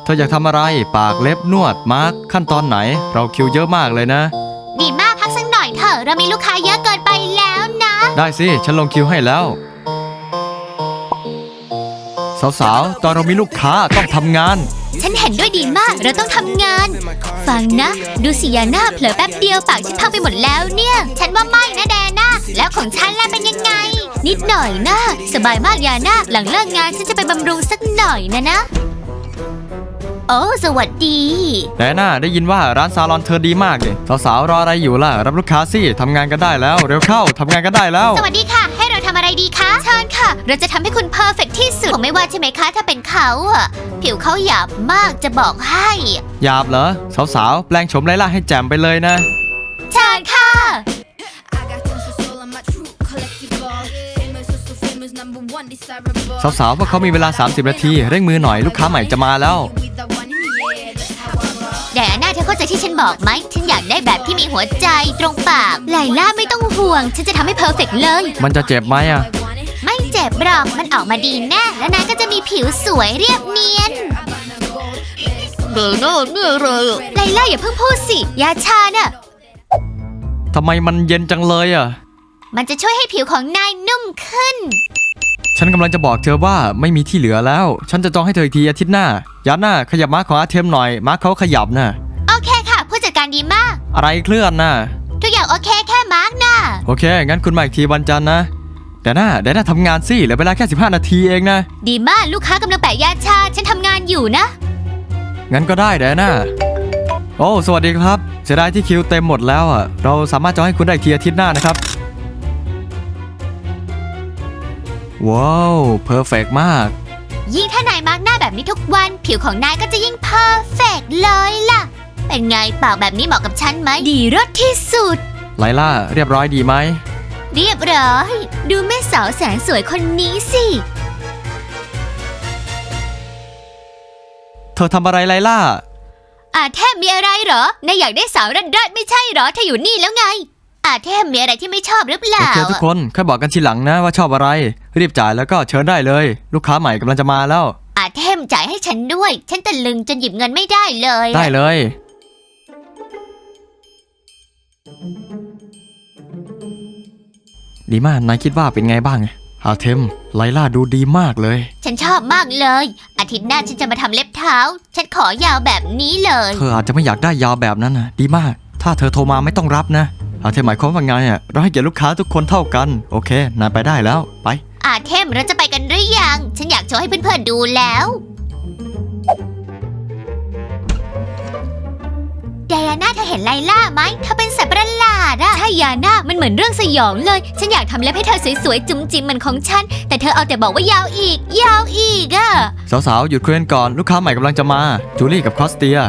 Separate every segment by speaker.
Speaker 1: ธออยากทำอะไรปากเล็บนวดมาร์คขั้นตอนไหนเราคิวเยอะมากเลยนะ
Speaker 2: ดีมากพักสักหน่อยเถอะเรามีลูกค้าเยอะเกินไปแล้วนะ
Speaker 1: ได้สิฉันลงคิวให้แล้วสาวๆตอนเรามีลูกค้าต้องทำงาน
Speaker 2: ฉันเห็นด้วยดีมากเราต้องทำงานฟังนะดูสิยาน่าเผลอแป๊บเดียวปากฉันพังไปหมดแล้วเนี่ยฉันว่าไม่นะแดน่าแล้วของฉันล่ะเป็นยังไงนิดหน่อยนะสบายมากยาน่าหลังเลิกงานฉันจะไปบำรุงสักหน่อยนะโอ้สวัสดี
Speaker 1: แต่น่าได้ยินว่าร้านซาลอนเธอดีมากเลยสาวๆรออะไรอยู่ล่ะรับลูกค้าสิทำงานกันได้แล้วเร็วเข้าทำงานกันได้แล้ว
Speaker 2: สวัสดีค่ะให้เราทำอะไรดีคะเชิญค่ะเราจะทำให้คุณเพอร์เฟคที่สุดผมไม่ว่าใช่ไหมคะถ้าเป็นเขาอะผิวเขาหยาบมากจะบอกให้
Speaker 1: หยาบเหรอสาวๆแปลงโฉมไล่ล่าให้แจ่มไปเลยนะ
Speaker 2: เชิญค่ะ
Speaker 1: สาวๆพวกเขามีเวลา30นาทีเร่งมือหน่อยลูกค้าใหม่จะมาแล้ว
Speaker 2: ไดอาน่าเธอเข้าใจที่ฉันบอกไหมฉันอยากได้แบบที่มีหัวใจตรงปากไลล่าไม่ต้องห่วงฉันจะทำให้เพอร์เฟคเลย
Speaker 1: มันจะเจ็บไหมอะ
Speaker 2: ไม่เจ็บหรอกมันออกมาดีแน่แล้วนายก็จะมีผิวสวยเรียบเนียนเดี๋ยวนี่เลยไลล่าอย่าเพิ่งพูดสิยาชาน่ะ
Speaker 1: ทำไมมันเย็นจังเลยอะ
Speaker 2: มันจะช่วยให้ผิวของนายนุ่มขึ้น
Speaker 1: ฉันกำลังจะบอกเธอว่าไม่มีที่เหลือแล้วฉันจะจองให้เธออีกทีอาทิตย์หน้ายาน่าขยับม้าของอาเทมหน่อยม้าเขาขยับนะ
Speaker 2: โอเคค่ะผู้จัดการดีมาก
Speaker 1: อะไรเคลื่อนนะ
Speaker 2: ทุกอย่างโอเคแค่มาร์กนะ
Speaker 1: โอเคงั้นคุณมาอีกทีวันจันทร์นะเดี๋ยวน่าทำงานสิเหลือเวลาแค่15นาทีเองนะ
Speaker 2: ดีมากลูกค้ากำลังแปะยาชาฉันทำงานอยู่นะ
Speaker 1: งั้นก็ได้เดี๋ยวน่าโอ้สวัสดีครับเสียดายที่คิวเต็มหมดแล้วอ่ะเราสามารถจองให้คุณได้อีกทีอาทิตย์หน้านะครับว้าวเพอร์เฟกต์มาก
Speaker 2: ยิ่งถ้านายมาร์กหน้าแบบนี้ทุกวันผิวของนายก็จะยิ่งเพอร์เฟกต์เลยล่ะเป็นไงปากแบบนี้เหมาะกับฉันไหมดีรสที่สุด
Speaker 1: ไลล่าเรียบร้อยดีไหม
Speaker 2: เรียบร้อยดูแม่สาวแสนสวยคนนี้สิ
Speaker 1: เธอทำอะไรไลล่า
Speaker 2: แทบมีอะไรเหรอนายอยากได้สาวรัดไม่ใช่เหรอเธออยู่นี่แล้วไงแทบมีอะไรที่ไม่ชอบหรือเปล่า
Speaker 1: โอเคทุกคนค่อยบอกกันทีหลังนะว่าชอบอะไรรีบจ่ายแล้วก็เชิญได้เลยลูกค้าใหม่กำลังจะมาแล้ว
Speaker 2: เทมจ่ายให้ฉันด้วยฉันตะลึงจนหยิบเงินไม่ได้เลย
Speaker 1: ได้เลยดีมากนายคิดว่าเป็นไงบ้างอาเทมไลล่าดูดีมากเลย
Speaker 2: ฉันชอบมากเลยอาทิตย์หน้าฉันจะมาทำเล็บเท้าฉันขอยาวแบบนี้เลย
Speaker 1: เธออาจจะไม่อยากได้ยาวแบบนั้นนะดีมากถ้าเธอโทรมาไม่ต้องรับนะอาเทมหมายความว่าไงเราให้เกียรติลูกค้าทุกคนเท่ากันโอเคนายไปได้แล้วไป
Speaker 2: เทมเราจะไปกันหรือยังฉันอยากโชว์ให้เพื่อนๆดูแล้วไดอาน่าเธอเห็นไลล่าไหมเธอเป็นสัตว์ประหลาดใช่ยาน่ามันเหมือนเรื่องสยองเลยฉันอยากทำเล็บให้เธอสวยๆจุ๋มจิ๋มเหมือนของฉันแต่เธอเอาแต่บอกว่ายาวอีก
Speaker 1: สาวๆหยุดคุยกันก่อนลูกค้าใหม่กำลังจะมาจูลี่กับคอสเตีย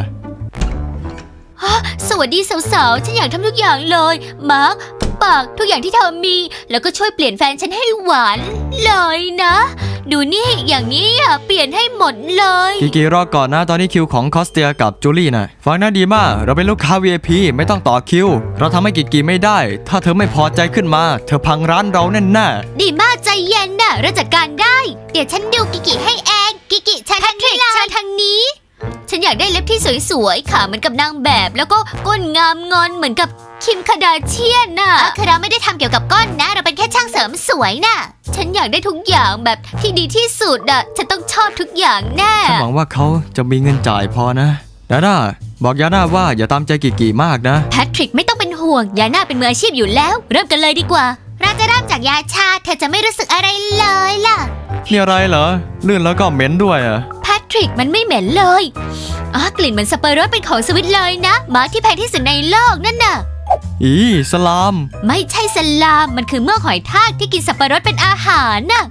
Speaker 2: สวัสดีสาวๆฉันอยากทำทุกอย่างเลยมาร์คปากทุกอย่างที่เธอมีแล้วก็ช่วยเปลี่ยนแฟนฉันให้หวานเลยนะดูนี่อย่างนี้เปลี่ยนให้หมดเลย
Speaker 1: กีรอก่อนนะตอนนี้คิวของคอสเตียกับจูลี่นะฟังน่าดีมากเราเป็นลูกค้า VIP ไม่ต้องต่อคิวเราทำให้กีไม่ได้ถ้าเธอไม่พอใจขึ้นมาเธอพังร้านเราแน่
Speaker 2: ดีมากใจเย็นนะเราจัดการได้เดี๋ยวฉันดูกิให้เองกิฉันทางนี้ฉันทางนี้ฉันอยากได้เล็บที่สวยๆขาเหมือนกับนางแบบแล้วก็ก้นงามงอนเหมือนกับคิมคาดาเชียนน่ะคือเราไม่ได้ทำเกี่ยวกับก้นนะเราเป็นแค่ช่างเสริมสวยน่ะฉันอยากได้ทุกอย่างแบบที่ดีที่สุดฉันต้องชอบทุกอย่างแน่
Speaker 1: ฉันหวังว่าเขาจะมีเงินจ่ายพอนะยาน่าบอกยาน่าว่าอย่าตามใจกีมากนะ
Speaker 2: แพทริกไม่ต้องเป็นห่วงยาน่าเป็นมืออาชีพอยู่แล้วเริ่มกันเลยดีกว่าเราจะเริ่มจากยาชาเธอจะไม่รู้สึกอะไรเลยล่ะ
Speaker 1: นี่อะไรเหรอลื่นแล้วก็เหม็นด้วย
Speaker 2: แพทริกมันไม่เหม็นเลยกลิ่นเหมือนสับปะรดเป็นของสวิตเลยนะมาที่แพงที่สุดในโลกนั่นน่ะ
Speaker 1: สลาม
Speaker 2: ไม่ใช่สลามมันคือเมือกหอยทากที่กินสับปะรดเป็นอาหารน่ะ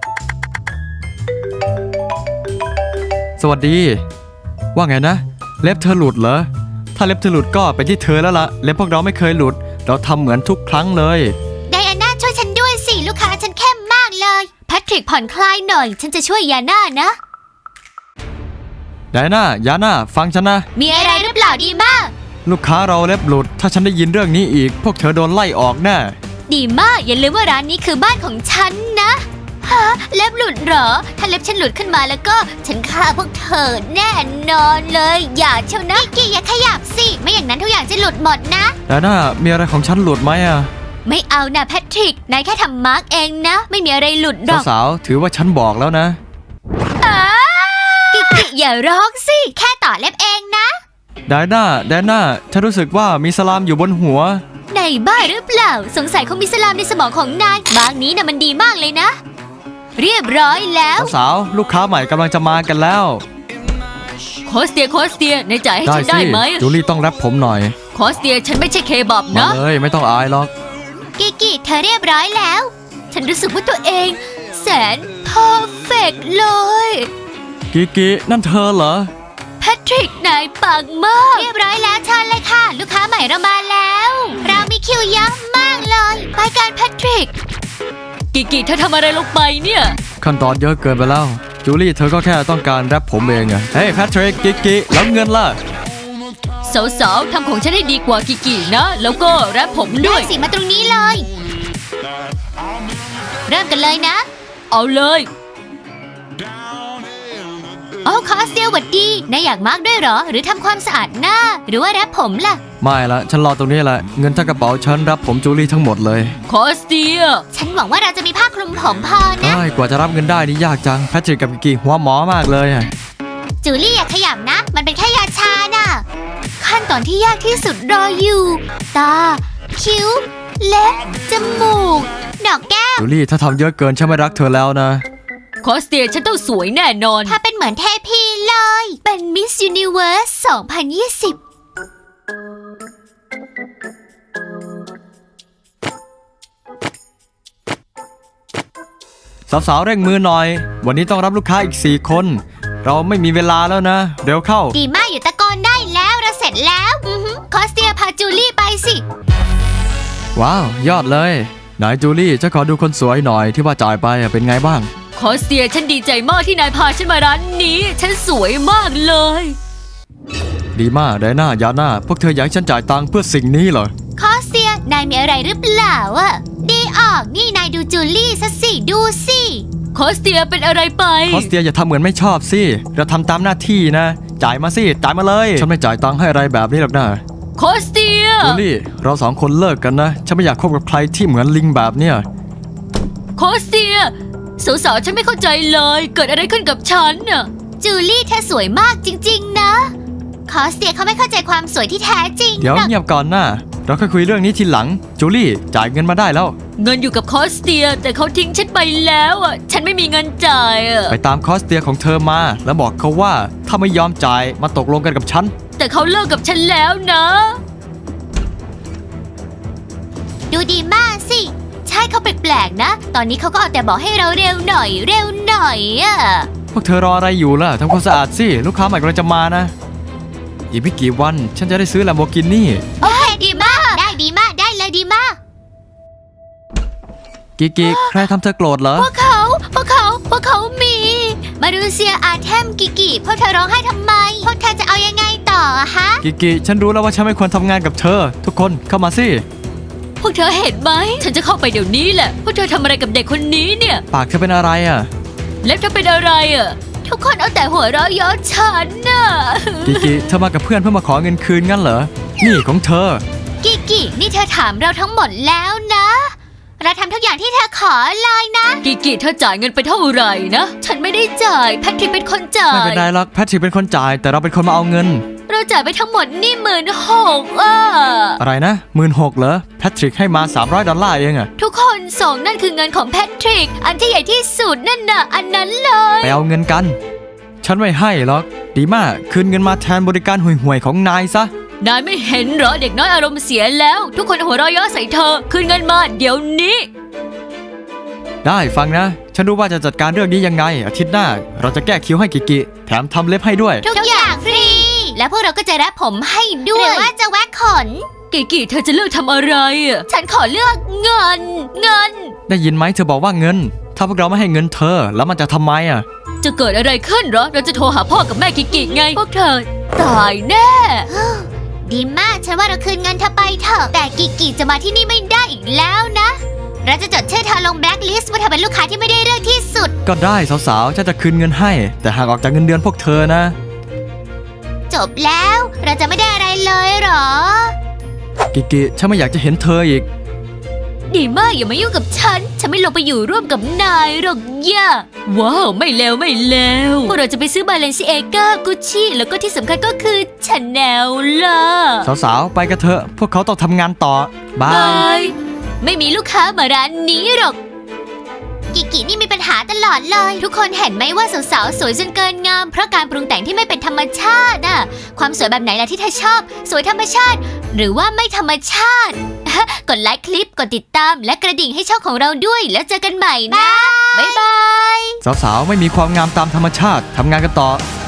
Speaker 1: สวัสดีว่าไงนะเล็บเธอหลุดเหรอถ้าเล็บเธอหลุดก็เป็นที่เธอแล้วล่ะเล็บพวกเราไม่เคยหลุดเราทำเหมือนทุกครั้งเลย
Speaker 2: ไดอาน่าช่วยฉันด้วยสิลูกค้าฉันเข้มมากเลยแพทริกผ่อนคลายหน่อยฉันจะช่วยยาน่านะ
Speaker 1: ยาน่าฟังฉันนะ
Speaker 2: มีอะไรหรือเปล่าดีมาก
Speaker 1: ลูกค้าเราเล็บหลุดถ้าฉันได้ยินเรื่องนี้อีกพวกเธอโดนไล่ออกแน่
Speaker 2: ดีมากอย่าลืมว่าร้านนี้คือบ้านของฉันนะเล็บหลุดเหรอ ถ้าเล็บฉันหลุดขึ้นมาแล้วก็ฉันฆ่าพวกเธอแน่นอนเลย อย่าเชียวนะกิกกี้อย่าขยับสิ ไม่อย่างนั้นทุกอย่างจะหลุดหมดนะ
Speaker 1: แต่น่ามีอะไรของฉันหลุดไหมอะ
Speaker 2: ไม่เอานะแพทริก นายแค่ทำมาร์กเองนะ ไม่มีอะไรหลุดหรอก
Speaker 1: สาวๆถือว่าฉันบอกแล้วนะ
Speaker 2: กิกกี้อย่าร้องสิ แค่ต่อเล็บเองนะ
Speaker 1: ไดน่าฉันรู้สึกว่ามีสลามอยู่บนหัว
Speaker 2: ในบ้าหรือเปล่า สงสัยคงมีสลามในสมองของนายบางนี้นะมันดีมากเลยนะ เรียบร้อยแล้ว
Speaker 1: สาวๆลูกค้าใหม่กำลังจะมากันแล้ว
Speaker 2: โคสเตียนายจ่ายให้ฉัน
Speaker 1: สิ
Speaker 2: ได้ไหม
Speaker 1: จูลี่ต้องแรปผมหน่อย
Speaker 2: โคสเตียฉันไม่ใช่เคบับ
Speaker 1: มา
Speaker 2: นะ
Speaker 1: เลยไม่ต้องอายหรอก
Speaker 2: กิกกี้เธอเรียบร้อยแล้ว ฉันรู้สึกว่าตัวเองแสนเพอร์เฟกเลย
Speaker 1: กินั่นเธอเหรอ
Speaker 2: แพทริกนายปังมาก เรียบร้อยแล้วเชิญเลยค่ะ ลูกค้าใหม่เรามาแล้ว เรามีคิวเยอะมากเลย ไปกันแพทริก กิกกี้เธอทำอะไรลงไปเนี่ย
Speaker 1: ขั้นตอนเยอะเกินไปแล้วจูลี่เธอก็แค่ต้องการแรปผมเองอะเฮ้ยแพทริกกิแล้วเงินล่ะ
Speaker 2: สาวๆทำของฉันให้ดีกว่ากิกกี้นะ แล้วก็แรปผมด้วยสิมาตรงนี้เลย เริ่มกันเลยนะ เอาเลยโอ้คอสเตียหวัดดีนายอยากมาร์กด้วยเหรอ หรือทำความสะอาดหน้า หรือว่าแรปผมล่ะ
Speaker 1: ไม่ละฉันรอตรงนี้แหละเงินทั้งกระเป๋าฉันรับผมจูลี่ทั้งหมดเลย
Speaker 2: คอสเตียฉันหวังว่าเราจะมีผ้าคลุมผมพอนะ
Speaker 1: เอ้ยกว่าจะรับเงินได้นี่ยากจังแพทริกกับกิหัวหมอมากเลยอะ
Speaker 2: จูลี่อย่าขยับนะ มันเป็นแค่ยาชาน่ะ ขั้นตอนที่ยากที่สุดรออยู่ ตา คิ้ว เล็บ จมูก ดอกแก้ม
Speaker 1: จูลี่ถ้าทำเยอะเกินฉันไม่รักเธอแล้วนะ
Speaker 2: คอสเตียฉันต้องสวยแน่นอน ถ้าเป็นเหมือนเทพีเลย เป็นมิสยูนิเวิร์ส 2020
Speaker 1: สาวๆเร่งมือหน่อย วันนี้ต้องรับลูกค้าอีก4 คน เราไม่มีเวลาแล้วนะ เร็วเข้า
Speaker 2: ดีมากอยู่ตะโกนได้แล้วเราเสร็จแล้วคอสเตียพาจูลี่ไปสิ
Speaker 1: ว้าวยอดเลยไหนจูลี่จะขอดูคนสวยหน่อยที่ว่าจ่ายไปอะเป็นไงบ้าง
Speaker 2: คอสเตียฉันดีใจมากที่นายพาฉันมาร้านนี้ ฉันสวยมากเลย
Speaker 1: ดีมากไดน่ายาน่าพวกเธออยากให้ฉันจ่ายตังค์เพื่อสิ่งนี้เหรอ
Speaker 2: คอสเตียนายมีอะไรหรือเปล่าอะดีออกนี่นายดูจูลี่ซะสิดูสิคอสเตียเป็นอะไรไป
Speaker 1: คอสเตียอย่าทำเหมือนไม่ชอบสิเราทำตามหน้าที่นะจ่ายมาสิจ่ายมาเลยฉันไม่จ่ายตังค์ให้อะไรแบบนี้หรอกนะ
Speaker 2: คอสเตีย
Speaker 1: จูลี่เรา2 คนเลิกกันนะฉันไม่อยากคบกับใครที่เหมือนลิงแบบเนี้ย
Speaker 2: คอสเตียสาวๆฉันไม่เข้าใจเลยเกิดอะไรขึ้นกับฉันน่ะจูลี่เธอสวยมากจริงๆนะคอสเตียเขาไม่เข้าใจความสวยที่แท้จริง
Speaker 1: เดี๋ยวเงียบก่อนนะเราค่อยคุยเรื่องนี้ทีหลังจูลี่จ่ายเงินมาได้แล้ว
Speaker 2: เงินอยู่กับคอสเตียแต่เขาทิ้งฉันไปแล้วอ่ะฉันไม่มีเงินจ่ายอ่ะ
Speaker 1: ไปตามคอสเตียของเธอมาแล้วบอกเขาว่าถ้าไม่ยอมจ่ายมาตกลงกันกับฉัน
Speaker 2: แต่เขาเลิกกับฉันแล้วนะ ดูดีมากสิใช่เขาแปลกๆนะตอนนี้เขาก็เอาแต่บอกให้เราเร็วหน่อยอ่ะ
Speaker 1: พวกเธอรออะไรอยู่ล่ะทำความสะอาดสิลูกค้าใหม่กำลังจะมานะอีกไม่กี่วันฉันจะได้ซื้อ Lamborghini
Speaker 2: โอเคดีมากได้ดีมากได้เลยดีมาก
Speaker 1: กิใครทำเธอโกรธเหรอ
Speaker 2: พวกเขามี มาดูเซียอาเทมกิกิพวกเธอร้องไห้ทำไม พวกเธอจะเอายังไงต่ออะฮะ
Speaker 1: กิฉันรู้แล้วว่าฉันไม่ควรทำงานกับเธอ ทุกคนเข้ามาสิ
Speaker 2: พวกเธอเห็นไหม ฉันจะเข้าไปเดี๋ยวนี้แหละ พวกเธอทำอะไรกับเด็กคนนี้เนี่ย
Speaker 1: ปากเธอเป็นอะไรอ่ะ
Speaker 2: เล็บเธอเป็นอะไรอะทุกคนเอาแต่หัวเราะเย้อฉันน่ะ
Speaker 1: กิเธอมากับเพื่อนเพื่อมาขอเงินคืนงั้นเหรอ นี่ของเธอ
Speaker 2: กินี่เธอถามเราทั้งหมดแล้วนะ เราทำทุกอย่างที่เธอขอเลยนะ กิเธอจ่ายเงินไปเท่าไหร่นะ ฉันไม่ได้จ่ายแพทริกเป็นคนจ่าย
Speaker 1: ไม่เป็นไรหรอกแพทริกเป็นคนจ่ายแต่เราเป็นคนมาเอาเงิน
Speaker 2: เราจ่ายไปทั้งหมดนี่16,000อ่ะ
Speaker 1: อะไรนะ16,000เหรอแพทริกให้มา$300เองอะ
Speaker 2: ทุกคนส่งนั่นคือเงินของแพทริก อันที่ใหญ่ที่สุดนั่นน่ะอันนั้นเลย
Speaker 1: ไปเอาเงินกัน ฉันไม่ให้หรอกดีมากคืนเงินมาแทนบริการห่วยๆของนายซะ
Speaker 2: นายไม่เห็นเหรอเด็กน้อยอารมณ์เสียแล้ว ทุกคนหัวเราะเยาะใส่เธอคืนเงินมาเดี๋ยวนี้
Speaker 1: ได้ฟังนะ ฉันรู้ว่าจะจัดการเรื่องนี้ยังไงอาทิตย์หน้าเราจะแก้คิ้วให้กิแถมทำเล็บให้ด้วย
Speaker 2: ทุกอย่างฟรี และพวกเราก็จะแรปผมให้ด้วยหรือว่าจะแว็กขนกิเธอจะเลือกทำอะไรอ่ะฉันขอเลือกเงิน
Speaker 1: ได้ยินไหมเธอบอกว่าเงิน ถ้าพวกเราไม่ให้เงินเธอแล้วมันจะทำไมอ่ะ
Speaker 2: จะเกิดอะไรขึ้นเหรอเราจะโทรหาพ่อกับแม่กิไงพวกเธอตายแน่ ดีมากฉันว่าเราคืนเงินเธอไปเถอะแต่กิจะมาที่นี่ไม่ได้อีกแล้วนะเราจะจดชื่อเธอลงแบล็คลิสต์ว่าเธอเป็นลูกค้าที่ไม่ได้เรื่องที่สุด
Speaker 1: ก็ได้สาวๆฉันจะคืนเงินให้ แต่หากออกจากเงินเดือนพวกเธอนะ
Speaker 2: จบแล้วเราจะไม่ได้อะไรเลยเหรอ
Speaker 1: กิกิฉันไม่อยากจะเห็นเธออีก
Speaker 2: ดีมากอย่ามายุ่งกับฉันไม่ลงไปอยู่ร่วมกับนายหรอกย่าว้าวไม่แล้วพวกเราจะไปซื้อบาเลนซิเอก้ากุชชี่แล้วก็ที่สำคัญก็คือชาแนลล่ะ
Speaker 1: สาวๆไปกันเถอะพวกเขาต้องทำงานต่อบาย
Speaker 2: ไม่มีลูกค้ามาร้านนี้หรอกกิกินี่มีปัญหาตลอดเลย ทุกคนเห็นไหมว่าสาวๆสวยจนเกินงามเพราะการปรุงแต่งที่ไม่เป็นธรรมชาติน่ะความสวยแบบไหนล่ะที่เธอชอบสวยธรรมชาติ หรือว่าไม่ธรรมชาติ กดไลค์คลิปกดติดตามและกระดิ่งให้ช่องของเราด้วยแล้วเจอกันใหม่นะบ๊ายบาย
Speaker 1: สาวๆไม่มีความงามตามธรรมชาติทำงานกันต่อ